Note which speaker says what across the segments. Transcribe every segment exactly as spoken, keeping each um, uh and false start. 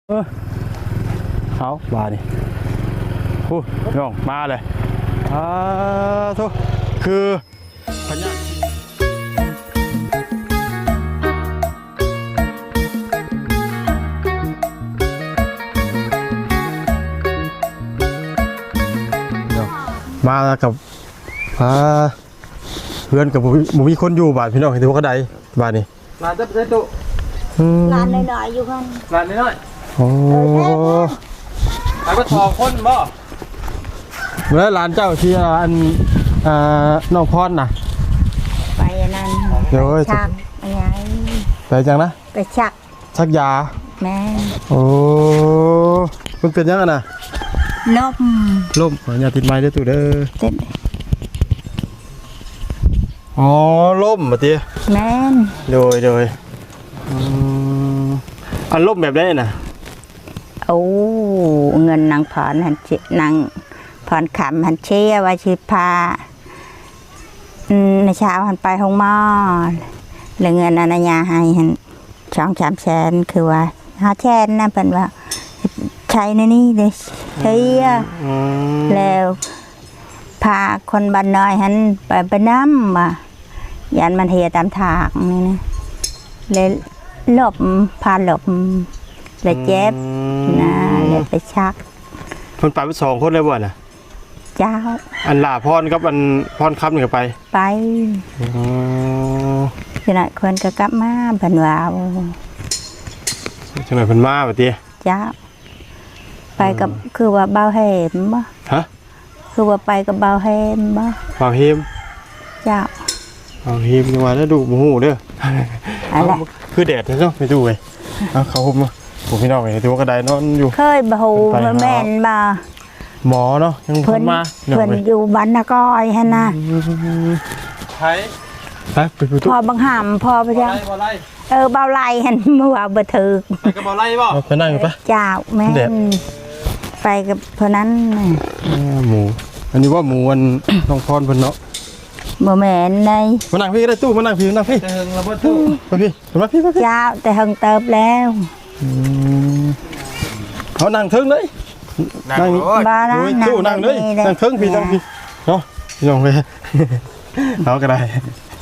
Speaker 1: เออเขาบานี่โอ้ย่องมาเลยอ่าทุกคือพญามากับอ่าเพื่อนกับบุมีคนอยู่บาทพี่น้องเห็นว่าก็ได้บาทนี่
Speaker 2: ร้านจะเป็นตุ
Speaker 3: ร้านน้อยๆอยู่กัน
Speaker 2: ร้านน้อย
Speaker 1: โอ้
Speaker 2: ร้านก็ทอคนบ่
Speaker 1: เมื่อร้านเจ้าที่อันอ่าน้องพรน่ะ
Speaker 3: ไปนั่น
Speaker 1: เดี๋ยว
Speaker 3: ชักอะไร
Speaker 1: ไปจังนะ
Speaker 3: ไปชัก
Speaker 1: ชักยา
Speaker 3: แม่
Speaker 1: โอ้มันเป็นยังไงนะ
Speaker 3: ลม
Speaker 1: ลมอย่าติดไม้ด้วยตู่เด้อ
Speaker 3: ติด
Speaker 1: อ๋อลมมาตี
Speaker 3: แม่
Speaker 1: โดยโดยอันลมแบบได้น่ะ
Speaker 3: โอ้เงินนางผ่อนหันเจนางผ่อนขำหันเชี่ยว่าชิพาในเช้าหันไปห้องหม้อเลยเงินอนัญญาให้หันช่องสามแสนคือว่าห้าแสนนะเป็นว่าใช้ในนี้เลยเฮียแล้วพาคนบ้านน้อยหันไปไปน้ำว่ะยันมันเฮียตามถากนี่นะเลยหลบพาหลบเลยเจ็บนะเลยไปชัก
Speaker 1: คนไปไปสองคนเลยบ่น่ะ
Speaker 3: เจ้า
Speaker 1: อันลาพรกับอันพรคำหนึ่งไป
Speaker 3: ไปจังหวะคนก็กลับมาเพิ่นว่า
Speaker 1: จังหวะเพิ่นมาแบบนี้
Speaker 3: เจ้าไปกับคือว่าเบาเหมบ่
Speaker 1: ฮะ
Speaker 3: คือว่าไปกับเบาเหมบ่
Speaker 1: เบาเหม
Speaker 3: เจ้า
Speaker 1: เบาเหมจังหวะแล้วดูหมูเด้ออะไรคือแดดเนาะไปดูเลยเอาเขาหุบมาผมพี่น้องเห็นตัวกระไดนอนอยู่
Speaker 3: เคยบ่ฮู้แม่นบ่
Speaker 1: หมอเนาะยังเพิ่นมา
Speaker 3: เพิ่นอยู่บ้านนากอยหั่นน่ะ
Speaker 2: ไผ
Speaker 1: ไปไปไป
Speaker 3: พอบังหามพอไปจังเออเบาไหลหั่นเมื่อว่าบ่ถึก
Speaker 2: ไปกับเบาไหลบ่
Speaker 1: ไปนั่งอยู่ปะ
Speaker 3: เจ้าแม่นไปกับเพิ่นนั้น
Speaker 1: หมูอันนี้ว่าหมูอันน้องพรเพิ่นเนาะ
Speaker 3: บ่แม่นใน
Speaker 1: มานั่งพี่ก็ได้ตู้มานั่งพี่นั่งพี่
Speaker 2: แต่เฮิงแล้วบ่ตู้
Speaker 1: มาพี่มาพี่มาพี่
Speaker 3: เจ้าแต่เฮิงเติบแล้ว
Speaker 1: เขานั่งเทิงเลย
Speaker 2: นั่ง
Speaker 3: บ้านั่ง
Speaker 1: ตู้นั่งเลยนั่งเทิงพี่นั่งพี่เนาะพี่น้องไปเขาก็ได้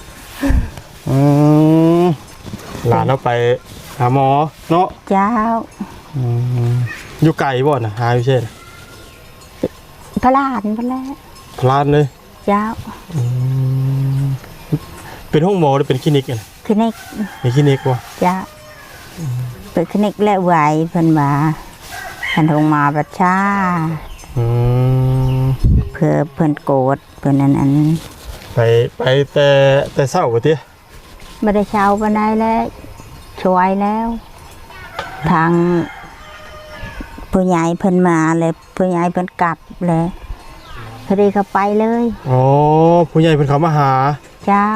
Speaker 1: หลานเราไปหาหมอเนาะ
Speaker 3: เจ้า
Speaker 1: อยู่ไกลบ่น่ะหาอยู่เช่น
Speaker 3: พลานพลาน
Speaker 1: พลานเลย
Speaker 3: เจ้า
Speaker 1: เป็นห้องหมอหรือเป็นคลินิกกัน
Speaker 3: คลินิก
Speaker 1: เป็นคลินิกวะ
Speaker 3: เจ้าเป็นคลินิกและไหวเพิ่นว่าท่านห้องหมอประชาเพื่อเพิ่นโกรธเพิ่นนั้นอัน
Speaker 1: ไปไปแต่แต่เศร้ากว่าที่
Speaker 3: ไม่ได้เช่าปานใดแล้วช่วยแล้วทางผู้ใหญ่เพิ่นมาเลยผู้ใหญ่เพิ่นกลับเลยพอดีเขาไปเลย
Speaker 1: อ๋อผู้ใหญ่เพิ่นเขามาหา
Speaker 3: เจ้า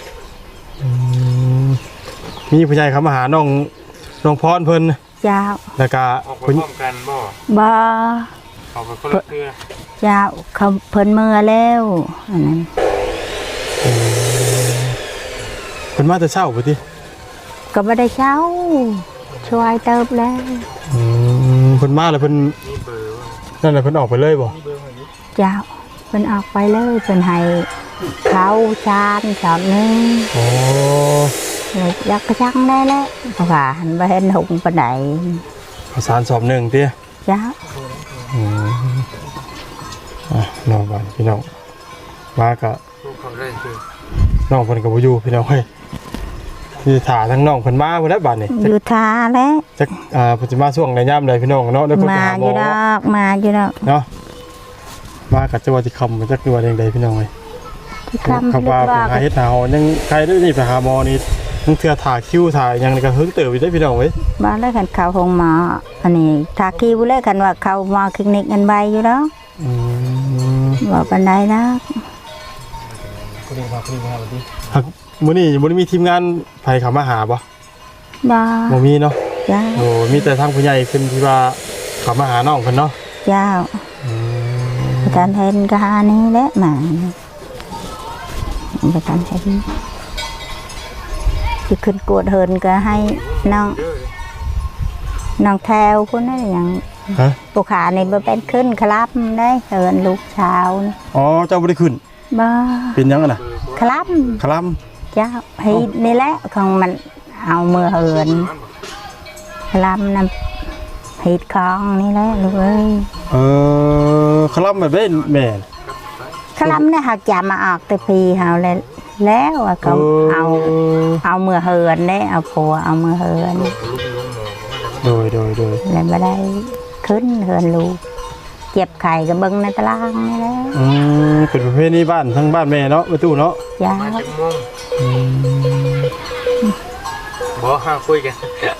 Speaker 1: มีผู้ใหญ่เขามาหาน้องน้องพรเพิ่น
Speaker 3: เจ้า
Speaker 1: แล้วก็
Speaker 2: ออกไปพร้อมกันบ่
Speaker 3: บ่
Speaker 2: เอาไปคนละเทื่อ
Speaker 3: เจ้าเขาเพิ่นเมื่อแล้วอันนั้น
Speaker 1: เพิ่นมาแต่เช้าพุ่นติ
Speaker 3: ก็บ่ได้เช้าช่วยเติบแล้ว
Speaker 1: อืมเพิ่นมาแล้วเพิ่นนั่นแหละเพิ่นออกไปเลยบ่
Speaker 3: เจ้าเพิ่นออกไปเลยเพิ่นให้เขาชานสอบนึง
Speaker 1: โอ้
Speaker 3: เลยยักกระชังได้แล้วเพราะว่าหันไปเห็นหุงปานใด
Speaker 1: ข้าวสารสอบหนึ่งติ
Speaker 3: เจ้า
Speaker 1: อืมอ่ะน้องบ้านพี่น้องมาก็น้องเพิ่นก็บ่อยู่พี่น้องเฮ้ยที่ถ่าทั้งน้องเพิ่นมาบ่ได้บัดนี่
Speaker 3: อยู่ท่าแล้ว
Speaker 1: จักอ่าเพิ่นสิมาช่วงในยามใดพี่น้องเนาะเดี๋ยวเพิ่น
Speaker 3: มาอยู่ดอกมาอยู่ดอก
Speaker 1: เนาะมากับจังหวัดที่คำมันจักคือว่าจังไดพี่น้องเอ้ยคำว่าหาเฮ็ดหาหอยังใครได้นี่ไปหาหมอนี่ทั้งเทื่อถ่าคิวถ่ายังก็เฮิงเติบอยู่ได้พี่น้องเว้ย
Speaker 3: บ้านแล้วกันเขาคงมาอันนี้ถ่าคิวแล้วกันว่าเขามาคลินิกอันใบอยู่แล้ว
Speaker 1: อืม
Speaker 3: ว่าปานใดนะ
Speaker 1: คนนี้มาคนนี้มาบ่ดิฮักมื้อนี้บ่ได้มีทีมงานไผเข้ามาหาบ่
Speaker 3: บ่
Speaker 1: บ่มีเนาะ
Speaker 3: จ้า
Speaker 1: โอ้มีแต่ทางผู้ใหญ่เพิ่นที่ว่าเข้ามาหาน้องเพิ่นเนาะ
Speaker 3: เจ้า
Speaker 1: อืม
Speaker 3: ประธานเห็นก็หานี้แหละมาประธานเห็นสิขึ้นกวดเฮินก็ให้น้องน้องแถวพุ่นนั่นอย่าง
Speaker 1: ฮะ
Speaker 3: ผู้ขาในบ่เป็นขึ้นครับได้เอินลูกสาวนี่
Speaker 1: อ๋อเจ้าบ่ได้ขึ้น
Speaker 3: บ่
Speaker 1: เป็นหยังอะน่ะ
Speaker 3: ครับ
Speaker 1: คล
Speaker 3: เจ้าให้นี่แหละของมันเอามือเหินครับนำฮิตของนี่แหละลูกเอ้ย
Speaker 1: ำเออคลำแบบได้แม่น
Speaker 3: ครับเนี่ยหักจามาออกแต่ปีเฮาแล้วแล้วอะเขาเอาเอามือเหินได้เอาผัวเอามือเหิน
Speaker 1: โดยโดยโดย
Speaker 3: แล้วไม่ได้ขึ้นเหินลูกเจ็บไข่กับเบิ้งในตารางนี่แหละ
Speaker 1: อืมเป็นประเภทนี้บ้านทั้งบ้านแม่เนาะประตูเนาะ
Speaker 3: ยา
Speaker 2: มาจังโมงบ่ห้าคุยกัน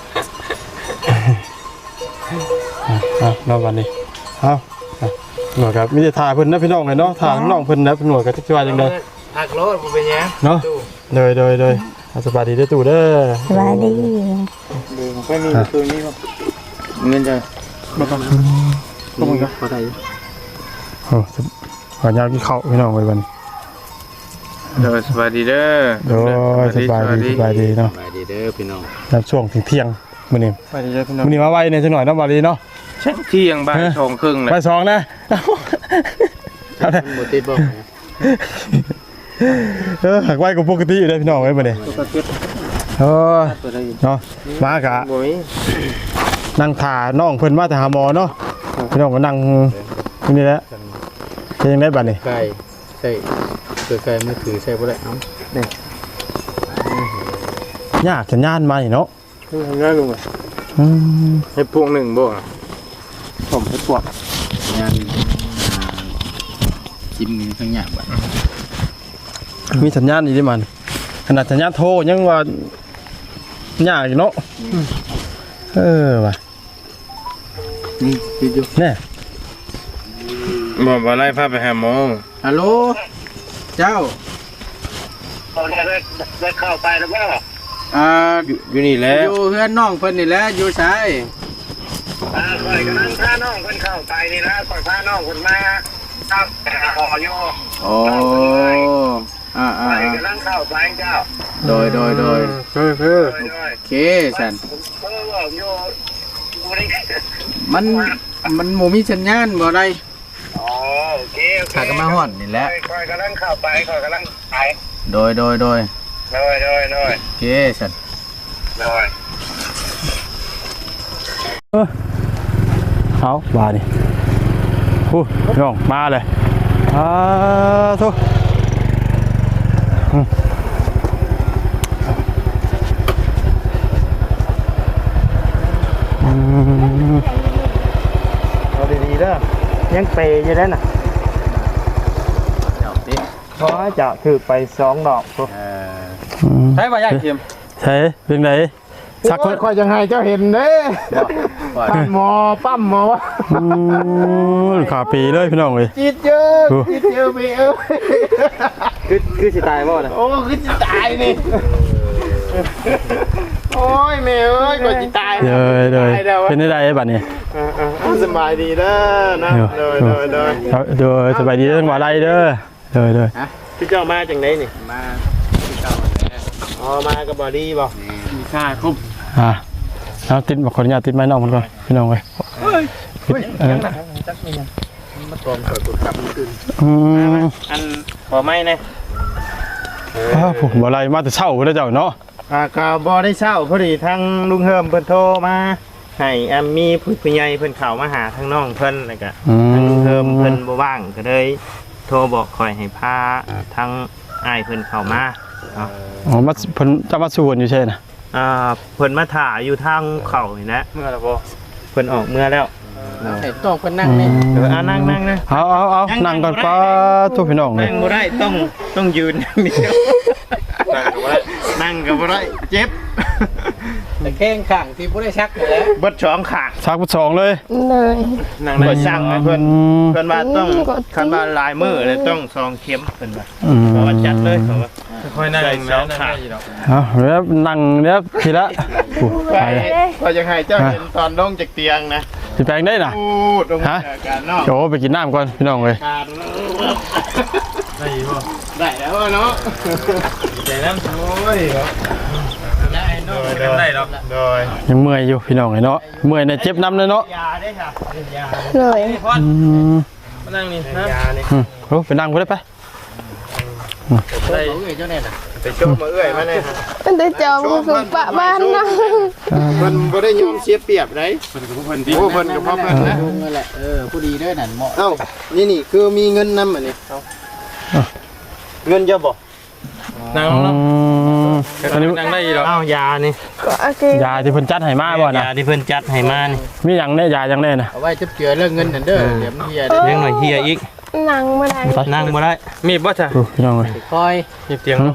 Speaker 1: อ่ะอ่ะรอบวันนี้เอาอ่ะหน่วยครับมีแต่ถ่ายเพิ่นนะพี่น้องเลยเนาะถ่ายน้องเพิ่นนะเป็นหน่วยกับที่ว่าจังได๋
Speaker 2: หักรถบ่เป็นหยัง
Speaker 1: เนาะโดยโดยโดยอ่ะสบายดีเด้อตู่เด้อ
Speaker 3: สบายดี
Speaker 2: ดูของค่อยมีตัวนี้บ่เงินจะบ่ต้องก็มันก็พอได้อยู่
Speaker 1: โอ้สบขออนุญาตกินข้าวพี่น้องไว้บัดนี้
Speaker 2: เด้อสวัสดีเด้อ
Speaker 1: โดยสบายดีสบายดีเนาะ
Speaker 2: สบายดีเด้อพี่น้อง
Speaker 1: รับช่วงถึงเที่ยงมื้อนี้
Speaker 2: สบายดีเด้อพี่น้อง
Speaker 1: มื้อนี้มาไวในจังหน่อยเนาะบาดีเนาะ
Speaker 2: เช็คเที่ยงบ่ายสองครึ่งเลย
Speaker 1: ไปสองนะเอาเด้อ
Speaker 2: บ่ติดบ่
Speaker 1: เออหักไว้กับปกติอยู่เด้อพี่น้องเอ้ยมื้อนี้
Speaker 2: ก็ติด
Speaker 1: เออ
Speaker 2: ตัวได้
Speaker 1: เนาะมากะ
Speaker 2: บ่มี
Speaker 1: นั่งถ่าน้องเพิ่นมาแต่หาหมอเนาะพี่น้องก็นั่งที่นี่แหละเป็นยังไงบัดนี้
Speaker 2: ไก่ใส่ตัวไก่มือถือใส่บ่ได้เอ้านี่
Speaker 1: ยากสัญญาณมานี่เนาะ
Speaker 2: คือง่ายลงอ่ะ
Speaker 1: อืม
Speaker 2: ให้พวงหนึ่งบ่ผมให้พวกงานจิ้มทั้งอย่างบ่
Speaker 1: มีสัญญาณอีกเด้มันขนาดสัญญาณโทรยังว่ายากอยู่เนาะเออว่ะ
Speaker 2: นี่คิดอยู่
Speaker 1: แน่
Speaker 2: บ่บ่ไล่พาไปหาหมอฮัลโหลเจ้า
Speaker 4: เขาได้ได้เข้าไปแล้วก็
Speaker 2: อ่าอยู่นี่แหละอยู่เพื่อนน้องเพิ่นนี่แหละอยู่ไส
Speaker 4: อ่าคอยกำลังพาน้องคนเข้าไปนี่นะคอยพาน้องคนมาครับขออยู่
Speaker 2: โอ้อ่า
Speaker 4: ค
Speaker 2: อ่า
Speaker 4: อยกำลังเข้าไปเจ้า
Speaker 2: โดยโดยโดยคือคือ
Speaker 4: โดยโดย
Speaker 2: โอเคสัน
Speaker 4: เออบอกอยู่บริ
Speaker 2: มันมันหมูมีสัญญาณบ่ได้
Speaker 4: อ๋อโอเคโอเค
Speaker 2: ถ้าก็มาฮอดนี่แหละ
Speaker 4: คอยกำลังเข้าไปคอยกำลังไป
Speaker 2: โดยโดยโดย
Speaker 4: โดยโดยโดย
Speaker 2: โอเคสัน
Speaker 4: โดย
Speaker 1: เออเอาว่านี่ฮู้พี่น้องมาเลยอ่าโทอืม อืม
Speaker 5: เอาดีๆเด้อยังเปย์อยู่ได้น่ะ
Speaker 2: เจ้าดิ
Speaker 5: เพราะว่าจะถือไปสองดอกตัว
Speaker 2: เออ
Speaker 1: อืม
Speaker 2: ใช้บ่ยากเทียม
Speaker 1: ใช่เป็นไงสักคน
Speaker 5: คอยจังไห้เจ้าเห็นเด้
Speaker 2: บ่
Speaker 5: ปั้นหมอปั้มหมอวะ
Speaker 1: อืมขาปีเลยพี่น้องเลย
Speaker 5: จีดเยอะจีดเยอะไปเอ้ย
Speaker 2: คือคือสิตายบ่น่ะ
Speaker 5: โอ้คือจะตายนี่โอ้ยแม่เอ้ยกว่าจะตาย
Speaker 1: เดยเดย
Speaker 5: ตายแล้ววะ
Speaker 1: เป็นได้บัดนี้
Speaker 5: เออเออเออสบายดีเด้อนะเด้อเด้อเด้อ
Speaker 1: เดยสบายดีเรื่องว่าไรเด้อเดยเดย
Speaker 5: พี่เจ้ามาจากไหนนี่
Speaker 2: มาที่เก่าแล้ว
Speaker 5: อ๋อมากับบอดี้บ่
Speaker 2: มีค่าครบ
Speaker 1: อ่ะเอาติดขออนุญาตติดไม้น้องมันก่อนพี่น้องเลยปิดเออ
Speaker 2: มาตอมเปิดกดกลับมันขึ้น
Speaker 1: อืม
Speaker 5: อันบ่ไม่นะ
Speaker 1: อ้าวผมบ่ไรมาแต่เช้าเด้อเจ้าเนาะ
Speaker 5: อ่าก็บ่ได้เช่าพอดีทางลุงเฮิมเพิ่นโทรมาให้อ่ามีผู้ผู้ใหญ่เพิ่นเข้ามาหาทางน้องเพิ่นแล้วก็
Speaker 1: อื
Speaker 5: ทางลุงเฮิมเพิ่น
Speaker 1: ม
Speaker 5: บ่ว่างก็เลยโทรบอกคอยให้พาทางอ้ายเพิ่นเข้ามาเนาะ
Speaker 1: อ๋อมาเพิ่นจะมาสู่กันอยู่ใช่น่ะ
Speaker 5: อ่าเพิ่นมาถ่าอยู่ทางเข้านี่แหละ
Speaker 2: เมื่อแล้วบ่
Speaker 5: เพิ่นออกเมื่อแล้ว
Speaker 2: ให้ต้องเพิ่นนั่งนี่
Speaker 5: เอออ่านั่งนั่งนะ
Speaker 1: เอาเอาเอานั่งก่อนป้าทุกพี่น้องเลย
Speaker 5: นั่งบ่ได้ต้องต้องยืนอย่างเดียวนั่งก็บ่ได้เจ็บ
Speaker 2: แต่แข้งข้างที่บ่ได้ชักนี่แหละ
Speaker 5: เบิดสองข้าง
Speaker 1: ชักพุทสองเลย
Speaker 5: นั่งได้สั่งให้เพิ่น
Speaker 1: อืม
Speaker 5: เพิ่นว่าต้องคันว่าลายมือเลยต้องซองเข็มเพิ่นว่า
Speaker 1: อืม
Speaker 5: เพราะว่าจัดเลยเพราะว่า
Speaker 2: ค่อยนั่ง
Speaker 5: ใส่
Speaker 2: นั่ง
Speaker 5: สองขา
Speaker 2: อยู่ดอก
Speaker 1: เอาแล้วนั่งแล้วทีละโอ้
Speaker 5: ไป
Speaker 1: ไปเลย
Speaker 5: ก็จะให้เจ้าเห็นตอนลงจากเตียงนะ
Speaker 1: สิแปลงได้น่ะ
Speaker 5: พูดลงจากการนอก
Speaker 1: โอ้ไปกินน้ำก่อนพี่น้องเลย
Speaker 5: การ
Speaker 2: ได้อยู่บ่
Speaker 5: ได้แล้วเนาะ
Speaker 2: ใจน้ำโอ้ย
Speaker 5: ได้เนาะได้ดอกโดย
Speaker 1: ยังเมื่อยอยู่พี่น้องเนาะเมื่อยในเจ็บน้ำเลยเนาะ
Speaker 5: ยาได้ค่ะยา
Speaker 3: เลย
Speaker 1: อืม
Speaker 5: มานั่งนี่นะยานี่
Speaker 1: อืมโอ้ไปนั่งไปได้ไป
Speaker 5: ได้เจ้าแน่น่ะไปโจมมาเอื้อยมาแน่
Speaker 6: มันได้จอมคือปะบ้านนะ
Speaker 5: เพิ่นบ่ได้ยอมเสียเปรียบไดเพิ่นก็เพิ่นดีโอ้เพิ่นก็พอเพิ่นนะ
Speaker 2: นั่นแหละเออผู้ดีเด้อนั่นเหมาะ
Speaker 5: เอ้านี่นี่คือมีเงินนำอันนี้เงินเยอะบ่นั่ง
Speaker 1: อื
Speaker 5: เนาะ
Speaker 1: มอันนี้
Speaker 5: นั่งได้อีหรอเอ้ายานี่
Speaker 6: ก็โอเค
Speaker 1: ยาที่เพิ่นจัดให้มาบ่นะ
Speaker 5: ยาที่เพิ่นจัดให้มานี่
Speaker 1: มีหยังแน่ยาหยังแน่น่ะ
Speaker 2: เอาไว้จับเจือเรื่องเงินนั่นเด้อเดี๋ยวมันเฮีย
Speaker 5: เลี้ยงหน่อยเฮียอีก
Speaker 6: หนังมาได้
Speaker 5: นั่งบ่ได้มีบ่จ้ะ
Speaker 1: โอ้พี่น้องเอ้ย
Speaker 2: คอย
Speaker 5: มีเตียงเนาะ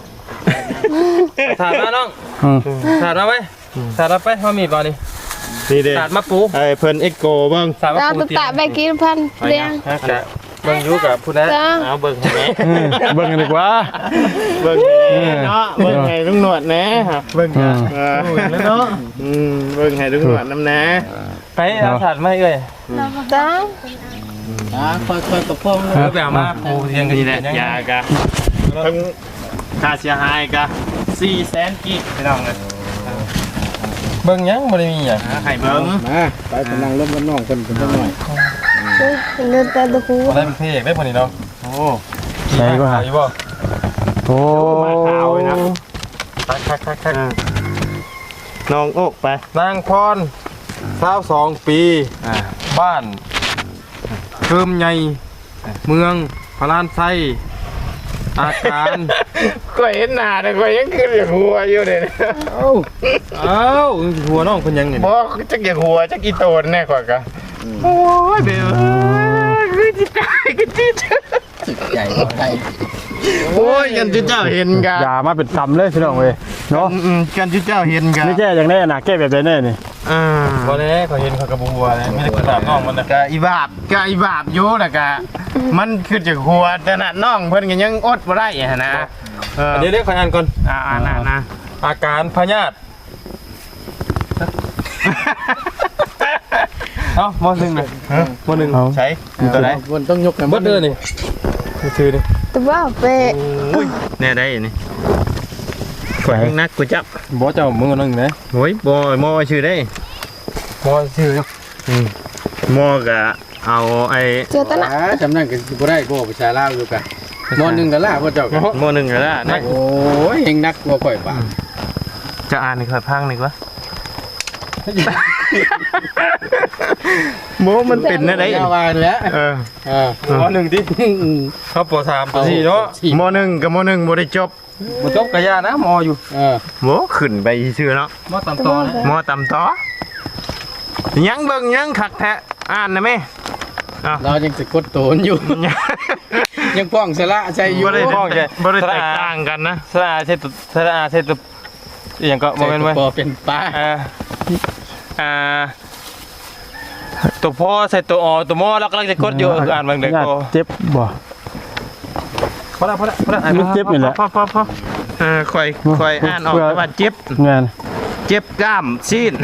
Speaker 5: ถาดมาน้อง
Speaker 1: อืม
Speaker 5: ถาดมาไว้ถาดมาไปเฮามีบ่นี่นี่เด้ถาดมาปูไอ้เพิ่นเอ็กโกเบิ่งถาดมา
Speaker 6: ตา
Speaker 5: ปู
Speaker 6: ตุ
Speaker 5: เตีย
Speaker 6: ตาง แบกินพันเรียง
Speaker 5: ฮะกะเบิ่งอยู่กับผู้ใด
Speaker 6: จ้า
Speaker 5: เอาเบิ่งให้แม่
Speaker 1: อืมเบิ่งกันดีกว่า
Speaker 5: เบิ่งให้เนาะเบิ่งให้ลุงหนวดแหน่เบิ่ง
Speaker 1: อืม
Speaker 5: เออแล้วเนาะอืมเบิ่งให้ลุงหนวดนำแหน่ไปเอาถาดมาเอ้ย
Speaker 6: จ้า
Speaker 2: อ่าคอยคอยกับพ่อ
Speaker 5: เออไปเอามาปูเตียงกันนี่แหละยากะทั้งค่าเสียหายกะสี่แสนกีบพี่น้องเอ้ยเบิ่งยังบ่ได้มีหยังให้เบิ่ง
Speaker 2: มาไปกำลังร่วมกันน้องคนกันหน่อย
Speaker 6: เดินตาตะคู
Speaker 5: บ่ได้เป็นพระเอกได้พอนี่เนาะโอ้
Speaker 1: ใช่ก็หา
Speaker 5: อยู่บ่
Speaker 1: โอ้
Speaker 5: มาขาวเลยนะคักๆๆน้องโอกไปนางพรสาวสองปีบ้านเคิมใหญ่เมืองพระลานไส้อาการ
Speaker 2: ก็เห็นหน้าแต่ก็ยังขึ้นอย่างหัวอยู่เลย
Speaker 5: เอ้าเอ้าหัวน้องคนยังไง
Speaker 2: บอกจักอย่างหัวจักอีโตนแน่กว่ากะ
Speaker 5: โอ้ยเบลคือจิตใจกันจิต
Speaker 2: จิตใหญ่ก็ใจ
Speaker 5: โอ้ยกันจิตเจ้าเห็นกัน
Speaker 1: ยามาเป็นกำเลยพี่น้องเว้ยเนาะ
Speaker 5: อืมกันจิตเจ้าเห็นกัน
Speaker 1: นี่แก้อย่างแน่น่ะแก้แบบใดแน่นี่
Speaker 5: อ่าบ่แน่เขาเห็นเขากระบัวเลยไม่ได้กระดาษน้องมันนะกะอีบาบกะอีบาบอยู่น่ะกะมันคือจากหัวแต่น่ะน้องเพิ่นก็ยังอดบ่ได้หั่นนะเออเดี๋ยวเดี๋ยวขออ่านก่อนอ่าอ่านนะอาการพยาธิเอ้ามอหนึ่งเลยมอหนึ่งใช้ตัวไหน
Speaker 2: มันต้องยกกัน
Speaker 5: เบิดเด้อนี่ชื่อดิ
Speaker 6: ตัวว่าเปะ
Speaker 5: โอ้ยแน่ได้นี่ข่อยยังนักกูจับ
Speaker 1: บ่เจ้ามึงนึงนะ
Speaker 5: โอ้ยบ่มอชื่อได้
Speaker 1: บ่ชื่อ
Speaker 5: อืมมอกะเอาไอ้
Speaker 6: เจอตะนะ
Speaker 2: จำนั่นกันบ่ได้ก็ประชาลาวอยู่กันมอนึงกันล่ะพ่อเจ้ากัน
Speaker 5: มอหนึ่งก็ได้นะ
Speaker 2: โอ้ยเฮงนักกว่าข่อยป่า
Speaker 5: จะอ่านในข่อยพังหนึ่งวะโมมันเป็นอะไร
Speaker 2: ยาวาแล้ว
Speaker 5: เออ
Speaker 2: เออ
Speaker 5: มหนึ่งดิเขาปสามปสี่เนาะมหนึ่งกับมหนึ่งบ่ได้จบ
Speaker 1: บ่จบกะยานะมออยู่
Speaker 2: เออ
Speaker 5: โมขึ้นไปชื่อเนาะ
Speaker 1: มอตามต่อนะ
Speaker 5: มต่ำต่อยังเบิ่งยังขักแท้อ่านนะแม่
Speaker 2: เรายังสะกดโตนอยู่ ยังป้องสละใจอยู่
Speaker 5: บ่ได้พ้องใจบ่ได้แตกต่างกันนะ
Speaker 1: สระอาเทตุสระอาเทตุอหยังก็บ่แม่นไว้
Speaker 2: ปอเป็นป้า
Speaker 1: อ่าอ่าตัวพ่อใส่ตัวอตัวมอแล้วกำลังจะกดอยู่อ่านบางเด็กก็เจ็บบ่พอละพอละพอละมันเจ็บนี่แหละ
Speaker 5: พอพอพอเออค่อยค่อยอ่านออกว่าเจ็บ
Speaker 1: งาน
Speaker 5: เจ็บกล้ามซีน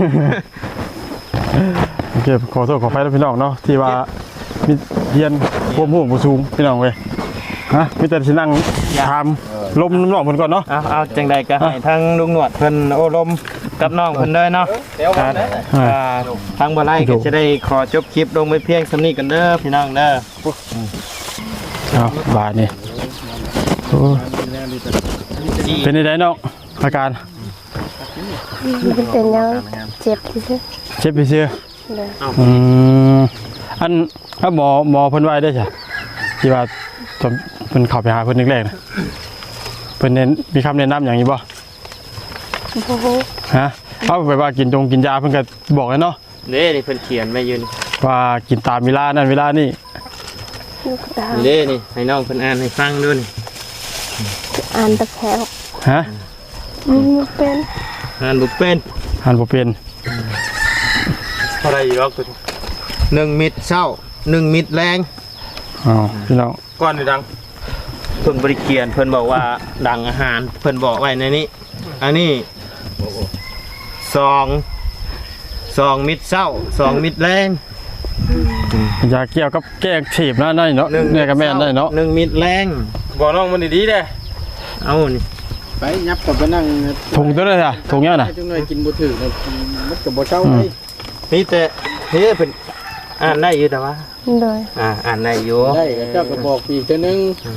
Speaker 1: โอเคขอโทษขออภัยแล้วพี่น้องเนาะที่ว่ามีเรียนความรู้บ่สูงพี่น้องเว้ยฮะมีแต่สินั่งถามลมน้ำน้องเพิ่นก่อนเนาะ
Speaker 5: เอาเอาจังใดก็ให้ทั้งลุงหนวดเพิ่นโอ้ลมกับน้องเพิ่นเด้อเนาะอ่าอ่าทางบ่ไล่ก็จะได้ขอจบคลิปลงไปเพียงสำนี้กันเด้อพี่น้องเด้อ
Speaker 1: เอาบาดนี่โอ้เป็นไดน้องอาการ
Speaker 6: มันเป็นยังเจ็บที่สุด
Speaker 1: เจ็บไปเชื่อ
Speaker 6: เลย
Speaker 1: อืมอันถ้าหมอหมอเพิ่นไว้ได้ใช่ที่ว่าตอนเพิ่นเข้าไปหาเพิ่นแรกๆนะเพิ่นเน้นมีคำแนะนำอย่างนี้บ่
Speaker 6: โอ้โห
Speaker 1: ฮะเอาไปว่ากินจงกินยาเพิ่นก็บอกแล้วเนาะ
Speaker 5: เด้นี่เพิ่นเขียนไว้อยู่นี่
Speaker 1: ว่ากินตามเวลานั่นเวลานี่
Speaker 6: ลูกตา
Speaker 5: เด้นี่ให้น้องเพิ่นอ่านให้ฟังดูนี่
Speaker 6: อ่านตะแคง
Speaker 1: ฮะ
Speaker 6: มันเป็น
Speaker 5: อ่านบ่เป็น
Speaker 1: อ่านบ่เป็น
Speaker 5: เท่าไหร่อีกรอบตัวหนึ่งมิตรเช้าหนึ่งมิตรแรง
Speaker 1: อ๋อพี่น้อง
Speaker 5: ก่อนนี่ดังเพิ่นบริเกียนเพิ่นบอกว่าดังอาหารเพิ่นบอกไว้ในนี้อันนี้สองสองมิตรเศร้าสองมิตรแรง
Speaker 1: ยาเกี่ยวกับแก้อักเสบนะได้เนาะเนี่ยก็แม่นได้เนาะ
Speaker 5: หนึ่งมิตรแรงบอกน้องมันดีๆเด้เอานี่
Speaker 2: ไปยับกับไปนั่ง
Speaker 1: ถุงตัวนั้นน่ะถุงเนี้ยน่ะ
Speaker 2: จังเลยกินบ่ถึงมันก็บ่เช้าเลย
Speaker 5: นี่แต่เฮ้เป็นอ่านได้อยู่แต่ว่า
Speaker 6: โดย
Speaker 5: อ่าอ่านได้อยู่
Speaker 2: ได้เจ้าก็บอกอีกเทื่อนึง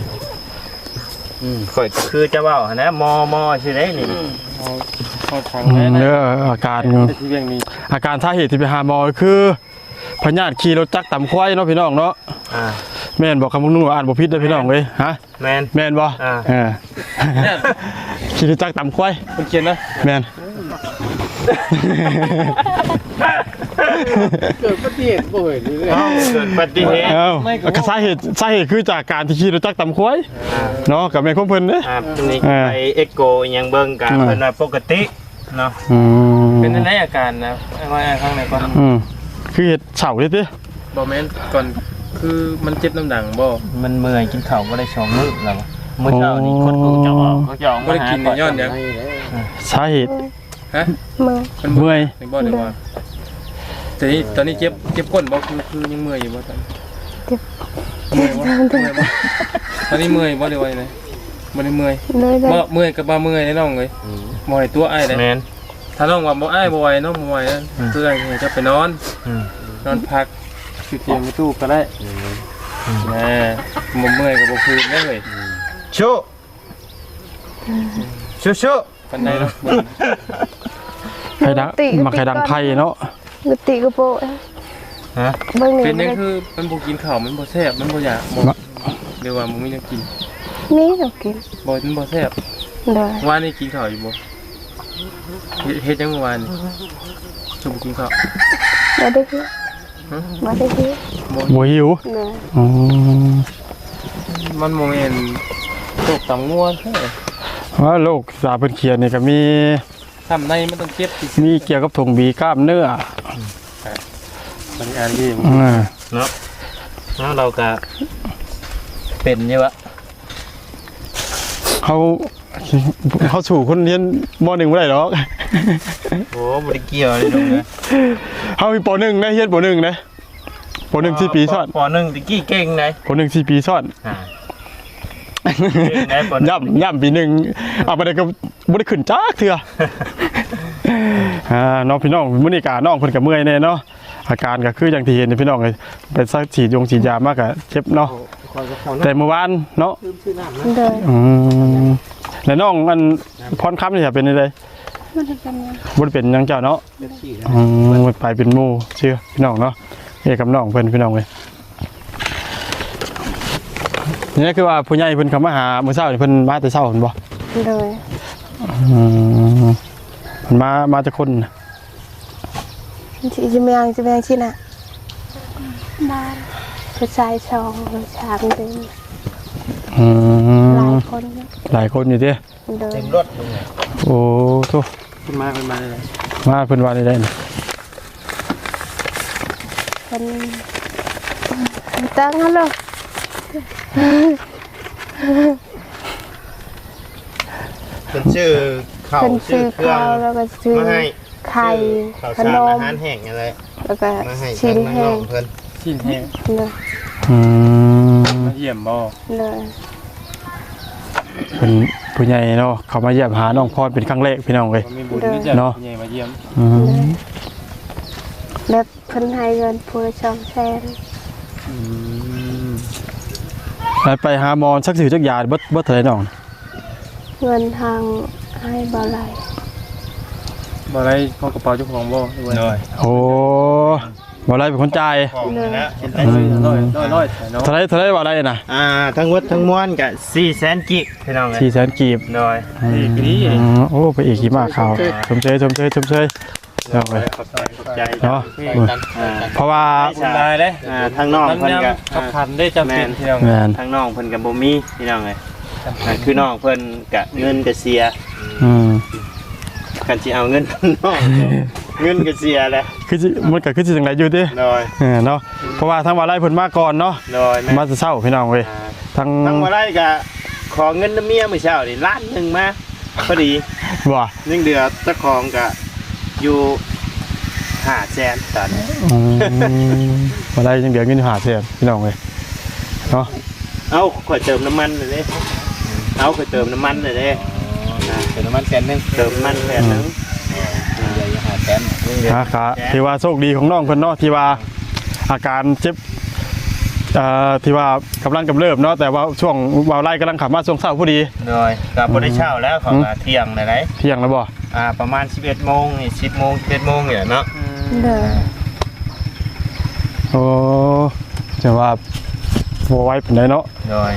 Speaker 5: ข่อยคือจะเว้าหั่นนะมอมอสิได้นี่
Speaker 2: เอาทาง
Speaker 1: อื
Speaker 2: ไหน
Speaker 1: ม
Speaker 2: นะ
Speaker 1: เด้ออาการ
Speaker 2: ที่เวียงนี้
Speaker 1: อาการสาเหตุที่ไปหาหมอคือพญาติขี่รถจักรต่ำควายเนาะพี่น้องเนาะ
Speaker 5: อ่า
Speaker 1: แม่นบอกคำมึงนุ่งอ่านบ่ผิดเด้อพี่น้องเว้ยฮะ
Speaker 5: แมน
Speaker 1: แม่นบ่
Speaker 5: อ่า
Speaker 1: เออขี่รถจักรต่ำควาย
Speaker 2: เพิ่นเขียนนะ
Speaker 1: แม่น
Speaker 2: เกิดอุบัติเหตุบ่เห็นเลย
Speaker 5: เอ้าเกิดอุบัติเหตุ
Speaker 1: เอ้าก็สาเหตุสาเหตุคือจากการที่ขี่รถจักรต่ำควายเนาะกับแม่ของเพิ่นเด้อ
Speaker 5: อ่าทีนี้
Speaker 1: อ่า
Speaker 5: ไปเอ็กโกอิหยังเบิ่งกัน
Speaker 1: อ่า
Speaker 5: เพิ่นว่าปกติเนาะ
Speaker 1: อืม
Speaker 2: เป็นอะไรอาการนะว่าข้างในก่อน
Speaker 1: อืมคือเฮ็ดเฉาเลยติ
Speaker 2: บ่แม่นก่อนคือมันเจ็บน้ำดังบ่
Speaker 5: มันเมื่อยกินข้าวบ่ได้สองมื้อแล้วอะมื้อเช้านี่คนกูจะออกเขาจะออก
Speaker 2: บ่ได้กินในย้อนหยัง
Speaker 1: สาเหตุ
Speaker 2: ฮะ
Speaker 6: มือ
Speaker 2: มัน
Speaker 1: เมื่อย
Speaker 2: ในบ่ได้ว่าแต่นี่ตอนนี้เจ็บเจ็บก้นบ่คือคือยังเมื่อยอยู่บ่ตอน
Speaker 6: เจ็บ
Speaker 2: เมื่อยบ่เมื่อยบ่ตอนนี้เมื่อยบ่ได้ว่าจังไดบ่ได้เมื่อย
Speaker 6: เลยเลย
Speaker 2: บ่เมื่อยกับบ่เมื่อยน้องเอ้ยบ่ให้ตัวอ้ายได้
Speaker 5: แม่น
Speaker 2: ถ้าน้องว่าบ่อ้ายบ่ไหวน้องบ่ไหวนะคือไอ้เนี่ยจะไปนอน
Speaker 5: อืม
Speaker 2: นอนพักอยู่เตียงในตู้ก็ได้แหม่บ่เมื่อยก็บ่คืนได้เลย
Speaker 5: ชุชุชุ
Speaker 2: ปานใดเนาะ
Speaker 1: ไข่ดังมาไข่ดังไผ่เนาะ
Speaker 6: กติกระโปะ
Speaker 5: ฮะ
Speaker 6: เบิ่ง
Speaker 2: เป็น
Speaker 6: นี่
Speaker 2: นี่คือมันบ่กินข้าวมันบ่แซ่บมันบ่อยากบ่เดี๋ยวว่าบ่มีแนวกิน
Speaker 6: นี่เรากิน
Speaker 2: บ่มันบ่แซ่บ
Speaker 6: โดย
Speaker 2: วานนี้กินข้าวอยู่บ่เฮ็ดเฮ็ดจังเมื่อวานนี่จะบ่กินข้าว
Speaker 6: มาได้ที่
Speaker 2: ฮะ
Speaker 6: มาได้ที่
Speaker 1: บ่หิว
Speaker 6: โดย
Speaker 1: อืม
Speaker 2: มันบ่แม่นโรคตำงัวแท้
Speaker 1: ว่าโรคสาเพิ่นเขียนนี่ก็มี
Speaker 2: ทำในมันต้องเจ็บที่
Speaker 1: มีเกี่ยวกับถุงบีกล้ามเนื้อ
Speaker 2: มันอ่านดี
Speaker 1: อ่า
Speaker 5: เนาะแล้วเราก็เป็นอยู่วะ
Speaker 1: เขาเขาสู่คนเรียนมหนึ่งไม่ได้หรอก
Speaker 5: โอ้บ่ได้เกี่ยวเลยตรงนี้
Speaker 1: เขามีปหนึ่งนะเรียนปหนึ่งนะปหนึ่งสี่ปีซ้อน
Speaker 5: ปหนึ่งตะกี้เก่งไหน
Speaker 1: ปหนึ่งสี่ปีซ้อน
Speaker 5: อ่าเก่งไหนปหนึ่ง
Speaker 1: ย่ำย่ำปีหนึ่งเอาไปได้ก็บ่ได้ขึ้นจ้าเถื่ออ่าน้องพี่น้องมื้อนี้กาน้องเพิ่นก็เมื่อยแน่เนาะอาการก็คืออย่างที่เห็นนี่พี่น้องเลยไปซักฉีดยงฉีดยามากก็เจ็บเนาะแต่เมื่อวานเนาะ
Speaker 6: โดย
Speaker 1: อืมแล้วน้องมันพรค้ำนี่จะเป็นอะไร
Speaker 6: มันเป็นยัง
Speaker 1: บ่ได้เป็นหยังเจ้าเนาะอืมไปเป็นหมู่เชื่อพี่น้องเนาะเอ้กับน้องเพิ่นพี่น้องเลยนี่คือว่าผู้ใหญ่เพิ่นเข้ามาหามื้อเช้านี่เพิ่นมาแต่เช้าเพิ่นบ่
Speaker 6: โดย
Speaker 1: อืมเพิ่นมามาแต่คนน่ะ
Speaker 6: จะจะไม่ยังจะไม่ยังชิน่ะบ้านผู้ชายสองสามเดือน
Speaker 1: อื
Speaker 6: หลาย
Speaker 1: ม
Speaker 6: คน
Speaker 1: หลายคนอยู่เด้
Speaker 6: โดย
Speaker 5: เต็มรถลงเลย
Speaker 1: โอ้โต
Speaker 2: ขึ้นมาขึ้นมาเลย
Speaker 1: มาเพิ่นว่าได้ได้น่ะ
Speaker 6: คนตั้งฮัลโหล
Speaker 5: เป็นชื่อข้าว
Speaker 6: คน
Speaker 5: ชื่
Speaker 6: ซื้
Speaker 5: อ
Speaker 6: อ
Speaker 5: เครื่อง
Speaker 6: ข้าวแล้วก็ซื้อ
Speaker 5: มาให้
Speaker 6: ไข่
Speaker 5: ข้าว
Speaker 6: ข
Speaker 5: สาร
Speaker 6: น
Speaker 5: อาม หารแห้งอะไร
Speaker 6: แล้วก็
Speaker 5: มาให้
Speaker 6: ชิ้น
Speaker 5: ทาง
Speaker 6: แห้
Speaker 5: น้อง งเพิ่น
Speaker 2: ชิ้นแห้ง
Speaker 6: เลย
Speaker 1: อืม
Speaker 2: มาเยี่ยมบ่
Speaker 6: เลย
Speaker 1: เพิ่นผู้ใหญ่เนาะเขามาเยี่ยมหาน้องพรเป็นครั้งแรกพี่น้องเอ้ย
Speaker 2: มีบุญนี่จะ
Speaker 1: เนาะ
Speaker 2: ใหญ่มาเยี่ยม
Speaker 1: อืม
Speaker 6: แบบเพิ่นให้เงินผู้ละสองแสน
Speaker 1: ไปไปหาหมอสักสิจักยาเบิดเบิดเท่าไหร่น้อง
Speaker 6: เงินทางให้บ่ไหล
Speaker 2: บ่ได้เข้ากระเป๋าเจ้าของบ่ด้วย
Speaker 5: น้อย
Speaker 1: โอ้บ่ไรเป็นคนจ่าย
Speaker 5: ของนะ
Speaker 2: ร้อยร้อยร้อยเนาะ
Speaker 1: เท่าไรเท่าไรบ่ไรน่ะ
Speaker 5: อ่าทั้งหมดทั้งมวลก็สี่แสนกิกพี่น้องเลย
Speaker 1: สี่แสนกีบ
Speaker 5: น้อย
Speaker 1: อืมโอ้ไปอีกกี่มากข่าวชมเชยชมเชยชมเชยเอาไป
Speaker 5: ขอบใจขอบใจ
Speaker 1: เนาะ
Speaker 5: อ่า
Speaker 1: เพราะว่า
Speaker 2: คุณได้เด้
Speaker 5: อ่าทางน้องเพิ่นก็
Speaker 2: กับพันได้จำเป็นที่เรา
Speaker 1: แมน
Speaker 5: ทางน้องเพิ่นก็บ่มีพี่น้องเลยอ่าคือน้องเพิ่นก็เงินก็เสีย
Speaker 1: อืม
Speaker 5: กันสิเอาเงินน้องเงินก็เสียแหละ
Speaker 1: คือสิมันก็คือสิจังไดอยู่ติ
Speaker 5: น้อย
Speaker 1: เออเนาะเพราะว่าทางว่าไรเพิ่นมาก่อนเนาะ
Speaker 5: น้อยแม่
Speaker 1: มาจะเช้าพี่น้องเว้ย
Speaker 5: อ่า
Speaker 1: ทาง
Speaker 5: ทั้งว่าไรก็ขอเงินน้ำเมียมื้อเช้านี่ล้านหนึงมาพอดี
Speaker 1: บ่
Speaker 5: ยังเดือเจ้าของก็อยู่ห้าแสนตอนนี้
Speaker 1: อืมบ่ไรยังเดี๋ยวเงินหาแสนพี่น้องเว้ยเนาะ
Speaker 5: เอาข่อยเติมน้ำมันเลยเด้เอาข่อยเติมน้ำมันเลยเด้อ่า
Speaker 2: ติมน้ำมันแสนนึงเติมมันแสนนึงใหญ่หาแสน
Speaker 1: นะครับที่ว่าโชคดีของน้องเพิ่นเนาะที่ว่าอาการเจ็บเอ่อที่ว่ากำลังกำเริบเนาะแต่ว่าช่วงวาวไล่กำลังขับมาช่วงเช้าพอดี
Speaker 2: โดยกับบ่ได้เช้าแล้วของเที่ยงไหน
Speaker 1: เที่ยงแล้วบ่
Speaker 2: อ่าประมาณสิบเอ็ดโมงนี่สิบโมงสิบเอ็ดโมงเนี่ยเนาะ
Speaker 6: เด้อ
Speaker 1: โอ้จะว่าบ่ไหวปานใดเนาะ
Speaker 2: โดย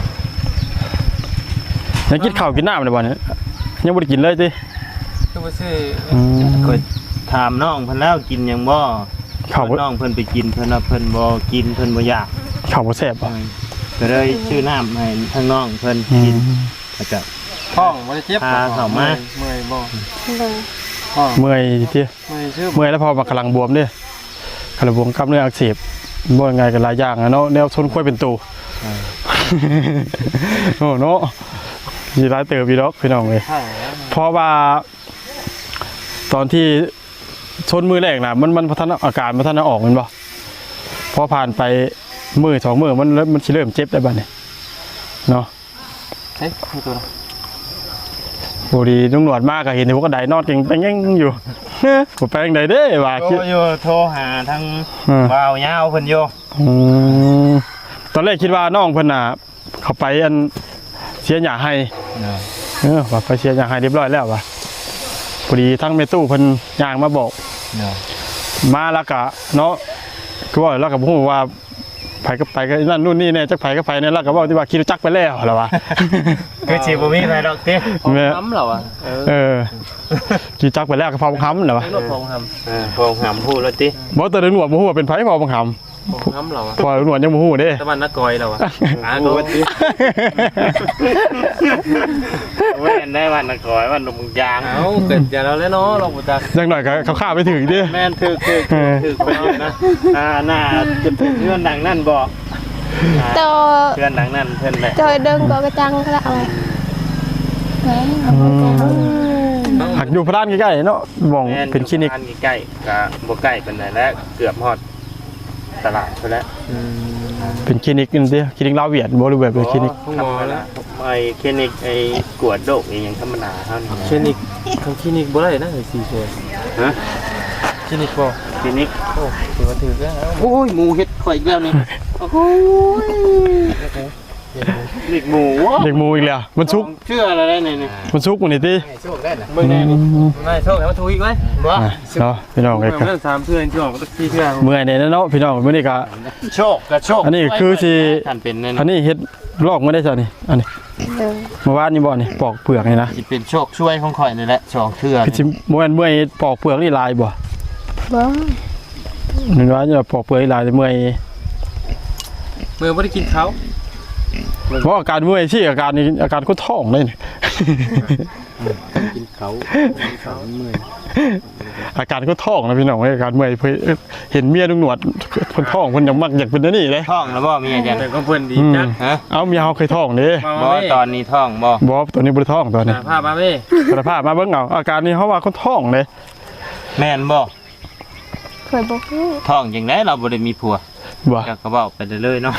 Speaker 1: ยังกินข้าวกินน้ำได้บ่เนี่ยยังบ่ได้กินเลยติ
Speaker 2: คือว่าซื้อ
Speaker 1: อืม
Speaker 2: เคยถามน้องเพิ่นแล้วกินหยังบ่
Speaker 1: ข้าวบ่
Speaker 2: น้องเพิ่นไปกินเพิ่นว่าเพิ่นบ่กินเพิ่นบ่อยาก
Speaker 1: ข้าวบ่แซ่บบ่
Speaker 2: ก็เลยชื่อน้ำให้ทางน้องเพิ่น
Speaker 1: อื
Speaker 2: กิน
Speaker 1: ม
Speaker 2: แล้วก็
Speaker 5: ท้องบ่ได้เจ็บ
Speaker 2: พาเข้ามา
Speaker 5: เมื่อยบ่
Speaker 6: เด้อ
Speaker 5: ท้อง
Speaker 1: เมื่อยติ
Speaker 5: เมื่อยชื่อ
Speaker 1: เมื่อยแล้วพอมากำลังบวมเด้กำลังบวมกล้ามเนื้ออักเสบบ่ยังไงก็หลายอย่างอะเนาะแนวชนค่อยเป็นตูโอ้เนาะสิหลายเติบอีดอกพี่น้องเอ้ย
Speaker 5: ใช่แล้ว
Speaker 1: เพราะว่าตอนที่ชนมือแรกนะมันมันพัฒนาอาการมันพัฒนาออกมันบ่พอผ่านไปมือสองมือมันมันสิเริ่มเจ็บได้บ้านี่เนาะ
Speaker 5: เฮ้ยให้ตัวละ
Speaker 1: โอ้ดีนุ่งหนวดมากก็เห็นที่พวกกระไดนอนเก่งไปยังอยู่ผมไปยังไดเด้ว่า
Speaker 2: โทรอยู่โทรหาทาง
Speaker 1: อืม
Speaker 2: บ่าวยาวเพิ่นอยู่
Speaker 1: อืมตอนแรกคิดว่าน้องเพิ่นน่ะเขาไปอันเสียหญ้าให้เออว่าไปเสียหญ้าให้เรียบร้อยแล้วว่ะพอดีทั้งแม่ตู้เพิ่นย่างมาบอก
Speaker 2: เนาะ
Speaker 1: มาแล้วก็เนาะคือว่าแล้วก็พูดว่าไผก็ไปก็นั่นนู่นนี่เนี่ยจักไผก็ไปเนี่ยแล้วก็บอกที่ว่าคิดจักไปแล้วเหรอวะ
Speaker 2: คือสิบ่มีไผดอกติ
Speaker 1: แม่
Speaker 5: น้ำเหรอวะเออ
Speaker 1: เออคิดจักไปแล้วก็พอบังคับเหรอวะ
Speaker 5: รถพองท
Speaker 2: เออพงหำพูดแล้วติ
Speaker 1: บอกแต่หนวดบ่ฮู้ว่าเป็นไผพอบังคับ
Speaker 5: ำพองน้ำเหรอวะ
Speaker 1: พอหนวดยังบ่ฮู้เด้
Speaker 5: ตะวันนักกอยเหรอวะอ่าก็
Speaker 2: เว้นได้วันละก่อยวันลงยาง
Speaker 5: เอาเกิดอย่าเราแล้วเนาะเราบุตร
Speaker 1: จังหน่อยก็เขาข้าไปถึงดิ
Speaker 2: แม่นถือถือถือไปอยู่นะอ่าหน้าจะเป็นเพื่อนดังนั่นบ่
Speaker 6: โต
Speaker 2: เพื่อนดังนั่นเพื่อนแหละ
Speaker 6: โตเดินก็กระจังก็ละเอาแหม
Speaker 1: หักอยู่พระด้านใกล้ๆเนาะมองเป็นคลินิก
Speaker 2: ใกล้ๆกับบ่ใกล้เป็นไหนแล้วเกือบฮอดตลาดไปแล้ว
Speaker 1: เป็นคลินิกนี่ดิคลินิกลาวเวียดบ่หรือแบบเป็นคลินิก
Speaker 5: ห้องหมอแล้ว
Speaker 2: ไอ้คลินิกไอ้กวดโรคอีหยังธรรมดาเท่านี้
Speaker 5: คลินิกทางคลินิกบ่ได้นะไอ้สี่เชน
Speaker 2: ฮะ
Speaker 5: คลินิกบ่
Speaker 2: คลินิก
Speaker 5: โอ้ถือว่าถือแล้ว
Speaker 2: โอ้ยหมูเฮ็ดข่อยอีกแล้วนี่โอ้โหเด็กหมู
Speaker 1: เด็กหมูอีกแล้วมันซุก
Speaker 2: เชื่ออะไรได้นี่นี่
Speaker 1: มันซุกมันนี่ติ
Speaker 5: เมื่อไงนี่ไม่โชคแล้วถูกอีกไหม
Speaker 2: บ่
Speaker 1: อ่ะเนาะพี่น้อง
Speaker 5: เมื่
Speaker 1: เอ้
Speaker 5: อย เมื่อสามเพื่อนที่ออกที่เพื่อน
Speaker 1: เมื่อยเนี่ยเนาะพี่น้องมื้อนี้ก็
Speaker 2: โชคกับโชค
Speaker 1: อันนี้คือสิ
Speaker 2: ท่านเป็นนั่น
Speaker 1: อันนี้เฮ็ดลอกมาได้ซะนี่อันนี้
Speaker 6: เดิน
Speaker 1: เมื่อวานนี่บ่นี่ปอกเปลือกนี่นะ
Speaker 2: สิเป็นโชคช่วยของข่อยนี่แหละสองเทื่อ
Speaker 1: คือสิบ่แม่นเมื่อยปอกเปลือกนี่ลายบ่
Speaker 6: บ่
Speaker 1: นึกว่าจะปอกเปลือกนี่ลายแต่เมื่อย
Speaker 5: เมื่อไม่ได้กินเขา
Speaker 1: เพราะอาการเมื่อยที่อาการนี้อาการคนท้องเลยนี่
Speaker 2: กินเขาเขาเมื่อย
Speaker 1: อาการคนท้องนะพี่น้องเอ้ยอาการเมื่อยเพิ่นเห็นเมียลุงหนวดคนท้องเพิ่นยังมักอยากเป็นอันนี่เลย
Speaker 2: ท้องแล้วบ่มีอาจารย์
Speaker 5: แต่ก็เพื่อนดีจัง
Speaker 2: ฮะ
Speaker 1: เอาเมียเฮาเคยท้องเด้
Speaker 2: บ่ตอนนี้ท้องบ่
Speaker 1: บ่ตัวนี้บ่ได้ท้องตัวนี้
Speaker 5: ภาพมาเว้
Speaker 1: สารภาพมาเบิ่งเอาอาการนี้เฮาว่าคนท้องเลย
Speaker 2: แม่นบ่
Speaker 6: เคยบอกฮู้
Speaker 2: ท้องจังได๋เราบ่ได้มีผัว
Speaker 1: บ่
Speaker 2: ก็ก็เว้าไปเรื่อยๆเนาะ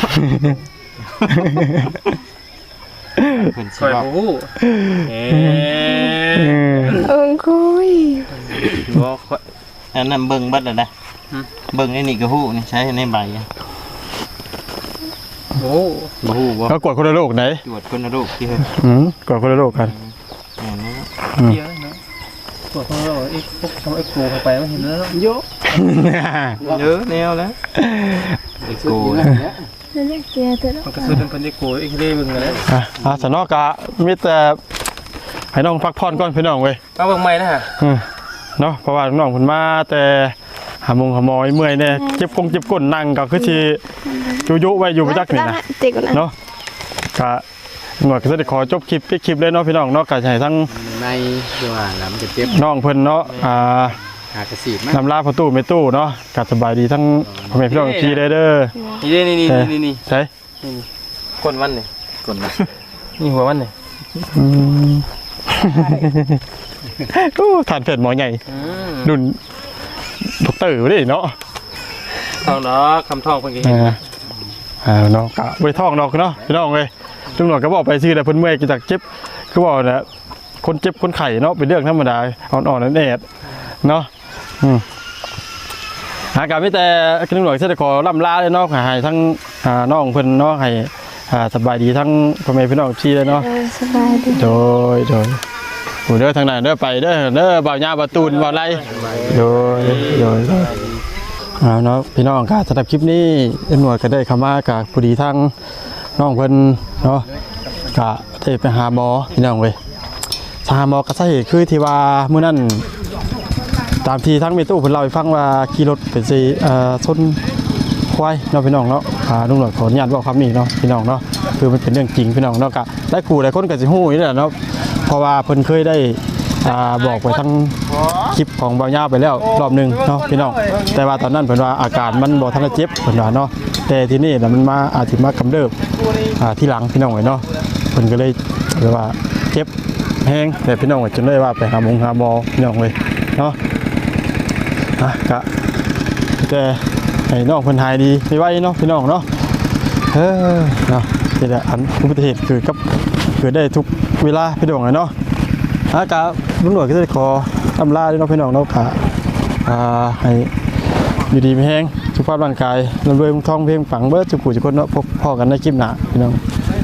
Speaker 2: เพิ่นสิ
Speaker 5: คอย
Speaker 2: เว้า
Speaker 5: หูเอ๊
Speaker 1: เออ
Speaker 6: เอิงคุย
Speaker 2: บ่ค่อยอันนั้นเบิ่งเบิดแล้วนะเบิ่งในนี่ก็ฮู้นี่ใช้ในใบอะ
Speaker 5: โอ้
Speaker 2: บ่ฮู้บ่
Speaker 1: ก็กดคนละโรคไหน
Speaker 2: ตรวจคนละโรคที่เฮ็ด
Speaker 1: อืมกดคนละโรคกัน
Speaker 2: แม่นบ่
Speaker 5: เยอะนะปวดท้องเราเอ็กพวกทำเอ็กโกเข้าไปไม่เห็นแล้วเยอะ
Speaker 2: เยอะแนวแล้วไอ้กู
Speaker 6: นั่นแหละเจียเถอะ
Speaker 5: มันก็ซื้อเป็นพันเอ็กโกเอ็กเร่มึงกันแล้ว
Speaker 1: อ่ะอ่ะสนอกะมีแต่ให้น้องพักผ่อนก่อนพี่น้องเว้ย
Speaker 5: เอาเบิ่งใหม่นะฮะ
Speaker 1: อืมเนาะเพราะว่าน้องเพิ่นมาแต่หาโมงหาหมอยเมื่อยแน่เจ็บคงเจ็บก้นนั่งก็คือสิยุๆไว้อยู่บ่จักนี่นะ
Speaker 6: ติกนะ
Speaker 1: เนาะก็หน่วยก็จะได้ขอจบคลิปปิดคลิปเลยเนาะพี่น้องเนาะก็ให้ทั้ง
Speaker 2: ในที่ว่าน้ำจะเจ็บ
Speaker 1: น้องเพิ่นเนาะอ่า
Speaker 2: หากระสีมั้ย
Speaker 1: นำลาประตูไม่ตู้เนาะก็สบายดีทั้งพ่อแม่พี่น้องพี่เด้อเด้อ
Speaker 5: นี่นี่นี่นี่นี่
Speaker 1: ใช่
Speaker 5: คนวันนี่
Speaker 2: คนนะ
Speaker 5: นี่หัววันนี่
Speaker 1: อืมโอ้ทานเผ็ดหมอใหญ่
Speaker 5: อืม
Speaker 1: รุ่นดอกเตอร์เด้เนาะ
Speaker 5: ทองดอกคำทองเพิ่นก็เห็น
Speaker 1: อ่าอ่าเนาะก็บ่ได้ท้องดอกเนาะพี่น้องเอ้ยลุงหนวดก็บอกไปซื่อแต่เพิ่นเมื่อยจากเจ็บคือบอกน่ะคนเจ็บคนไข้เนาะเป็นเรื่องธรรมดาอ่อนๆนั่นแอดเนาะอืมหาการไม่แต่ขึ้นหน่วยเสด็จขอล่ำลาเลยเนาะให้ทั้งน้องเพิ่นเนาะให้สบายดีทั้งพ่อแม่พี่น้องพี่เลยเนาะ
Speaker 6: สบายดี
Speaker 1: โดยโดยผู้เด้อทางไหนเด้อไปเด้อเด้อบ่าวญาบ่าวตูนบ่าวไรโดยโดยเอาเนาะพี่น้องค่ะสำหรับคลิปนี้ตำรวจก็ได้เข้ามากับผู้ดีทั้งน้องเพิ่นเนาะก็ได้ไปหาหมอพี่น้องเว้ยหาหมอกระสาเหตุคือที่ว่ามื้อนั้นตามที่ทั้งเมตู้เพิ่นเล่าให้ฟังว่าขี่รถไปสิเอ่อชนควายเนาะพี่น้องเนาะอ่าตำรวจขออนุญาตบอกคำนี้เนาะพี่น้องเนาะคือมันเป็นเรื่องจริงพี่น้องเนาะก็ได้ครูหลายคนก็สิฮู้นี่แหละเนาะเพราะว่าเพิ่นเคยได้อ่าบอกไปทั้งคลิปของบ่าวญาไปแล้วรอบนึงเนาะพี่น้องแต่ว่าตอนนั้นเพิ่นว่าอาการมันบ่ทันได้เจ็บเพิ่นว่าเนาะแต่ที่นี่น่ะมันมาอาจสิมากำเริบอ่าที่หลังพี่น้องเอ้ยเนาะเพิ่นก็เลยเรียกว่าเจ็บแห้งแต่พี่น้องจนได้ว่าไปหาหมอหาหมอพี่น้องเลยเนาะอ่ะกะแต่ให้น้องเพิ่นหายดีไวๆเนาะพี่น้องเนาะเออเนาะนี่แหละอันอุบัติเหตุเกิดกับเกิดได้ทุกเวลาพี่น้องเลยเนาะอากะตำรวจก็จะขออำลาด้วยเนาะพี่น้องเนาะกะอ่าให้อยู่ดีมีแห้งสุขภาพร่างกายร่ำรวยมุ่งทองเพียงฝังเบิดจุกุจุกคนเนาะพบพ่อกันในคลิปหน้าพี่น้อง